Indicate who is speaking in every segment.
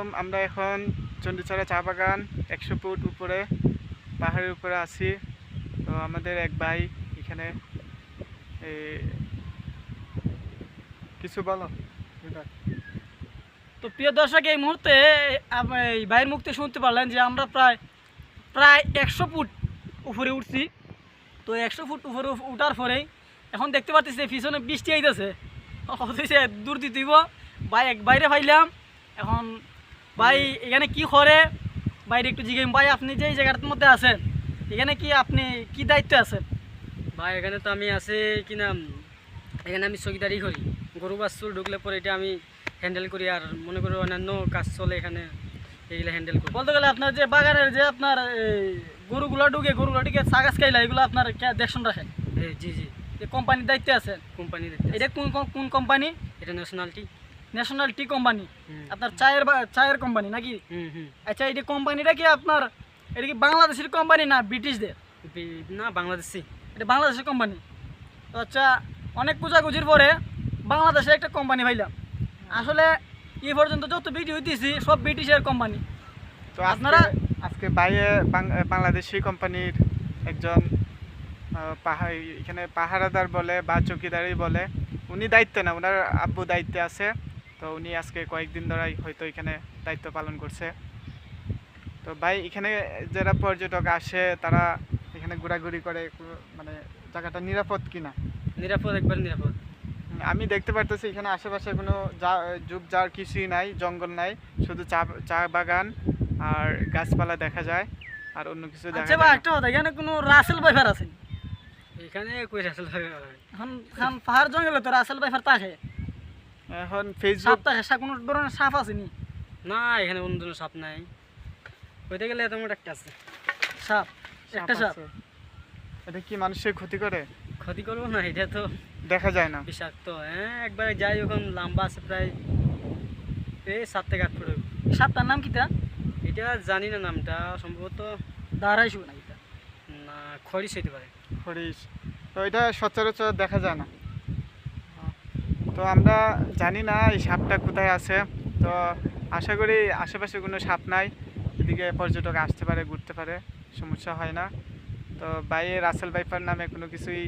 Speaker 1: আমরা এখন চণ্ডীছড়া চা বাগান 100 ফুট উপরে পাহাড়ের উপরে আছি। তো আমাদের এক ভাই এখানে কিছু বলো।
Speaker 2: তো প্রিয় দর্শক, এই মুহূর্তে এই ভাইয়ের মুক্তি শুনতে পারলেন যে আমরা প্রায় প্রায় 100 ফুট উপরে উঠছি। তো 100 ফুট উপরে উঠার পরেই এখন দেখতে পাচ্ছি পিছনে বৃষ্টি আইতেছে, দূর দিতেইব। ভাই এক বাইরে পাইলাম। এখন ভাই এখানে কি করে বাইরে একটু জিজ্ঞেস, ভাই আপনি যে এই জায়গাটার মধ্যে আছেন এখানে কি আপনি কি দায়িত্বে আছেন?
Speaker 3: ভাই এখানে তো আমি আছি কি নাম, এখানে আমি চকিদারি করি। গরু বাছুর ঢুকলে পরে এটা আমি হ্যান্ডেল করি, আর মনে করি অন্যান্য কাজ চলে এখানে, এইগুলো হ্যান্ডেল করি।
Speaker 2: বলতে গেলে আপনার যে বাগানের যে আপনার গরুগুলো ঢুকে সাগাস খাইলা এগুলো আপনার দেখশন রাখেন?
Speaker 3: জি জি,
Speaker 2: কোম্পানির দায়িত্বে আছেন?
Speaker 3: কোম্পানি দেখতে।
Speaker 2: এটা কোন কোম্পানি?
Speaker 3: এটা
Speaker 2: ন্যাশনাল টি কোম্পানি। আপনার চায়ের কোম্পানি নাকি? আচ্ছা, এই কোম্পানিটা কি আপনার, এটা কি বাংলাদেশের কোম্পানি না ব্রিটিশদের?
Speaker 3: না, বাংলাদেশি।
Speaker 2: এটা বাংলাদেশের কোম্পানি। তো আচ্ছা, অনেক খোঁজাখুঁজির পরে বাংলাদেশে একটা কোম্পানি পাইলাম। আসলে এই পর্যন্ত যত ভিডিও দিয়েছি সব ব্রিটিশের কোম্পানি।
Speaker 1: তো আপনারা আজকে বাইরে বাংলাদেশি কোম্পানির একজন এখানে পাহারাদার বলে বা চৌকিদারি বলে, উনি দায়িত্বে না, ওনার আব্বু দায়িত্বে আছে। তো উনি আজকে কয়েকদিন ধরেই হয়তো এখানে দায়িত্ব পালন করছে। তো ভাই এখানে যারা পর্যটক আসে তারা এখানে ঘোরাঘুরি করে, মানে জায়গাটা নিরাপদ কিনা?
Speaker 3: নিরাপদ, একবার নিরাপদ।
Speaker 1: আমি দেখতে পারতেছি এখানে আশেপাশে কোনো ঝোপঝাড় কিছুই নাই, জঙ্গল নাই, শুধু চা বাগান আর গাছপালা দেখা যায়, আর অন্য কিছু দেখা যায় না।
Speaker 2: একটা কথা, এখানে কোনো রাসেল বাইফার আছে?
Speaker 3: এখানে কই রাসেল বাইফার?
Speaker 2: এখন পাহাড় জঙ্গলে তো রাসেল বাইফার থাকে।
Speaker 1: এখন ফেসবুক
Speaker 2: কোনো ধরনের সাপ আসেনি?
Speaker 3: না, এখানে কোনো ধরনের সাপ নাই। হইতে গেলে এত মোটা একটা আছে
Speaker 2: সাপ, একটা সাপ।
Speaker 1: এটা কি মানুষের ক্ষতি করে?
Speaker 3: ক্ষতি করবো না, এটা তো
Speaker 1: দেখা যায় না,
Speaker 3: বিষাক্ত। হ্যাঁ, একবারে যাই, ওখান লম্বা আছে প্রায় 7 থেকে 8 ফুট।
Speaker 2: সাপটার নাম কিটা?
Speaker 3: এটা জানি না নামটা, সম্ভবত
Speaker 2: দাঁড়াইছো না এটা?
Speaker 3: না, খরিশ হইতে পারে।
Speaker 1: খরিশ। তো এটা সচরাচর দেখা যায় না। তো আমরা জানি না এই সাপটা কোথায় আছে। তো আশা করি আশেপাশে কোনো সাপ নাই, এদিকে পর্যটক আসতে পারে, ঘুরতে পারে, সমস্যা হয় না। তো বাইরে রাসেল ভাইপার নামে কোনো কিছুই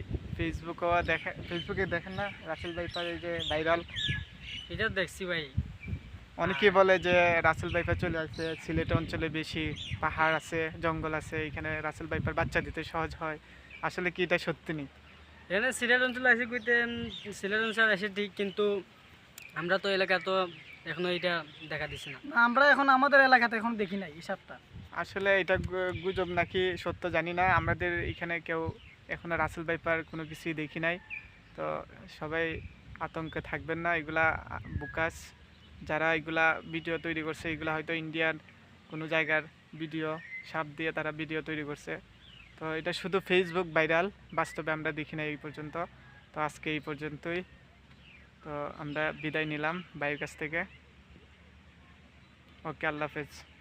Speaker 1: ফেসবুকে দেখেন না? রাসেল ভাইপার এই যে ভাইরাল,
Speaker 3: এটা দেখছি ভাই।
Speaker 1: অনেকেই বলে যে রাসেল ভাইপার চলে আসছে, সিলেট অঞ্চলে বেশি পাহাড় আছে, জঙ্গল আছে, এখানে রাসেল ভাইপার বাচ্চা দিতে সহজ হয়। আসলে কি এটা সত্যি নেই?
Speaker 3: এখানে সিলেট অঞ্চলে আসে কইতে, সিলেট অঞ্চলে আসে ঠিক, কিন্তু আমরা তো এলাকা তো এখনো এটা দেখা দিছি না।
Speaker 2: আমরা এখন আমাদের এলাকাতে এখন দেখি নাই এই সাপটা।
Speaker 1: আসলে এটা গুজব নাকি সত্য জানি না, আমাদের এখানে কেউ এখনো রাসেল ভাইপার কোনো কিছুই দেখি নাই। তো সবাই আতঙ্কে থাকবেন না, এগুলা বুকাস, যারা এগুলা ভিডিও তৈরি করছে এগুলা হয়তো ইন্ডিয়ার কোনো জায়গার ভিডিও, সাপ দিয়ে তারা ভিডিও তৈরি করছে। তো এটা শুধু ফেসবুক ভাইরাল, বাস্তবে আমরা দেখি নাই এই পর্যন্ত। তো আজকে এই পর্যন্তই। তো আমরা বিদায় নিলাম ভাইয়ের কাছ থেকে। ওকে, আল্লাহ হাফেজ।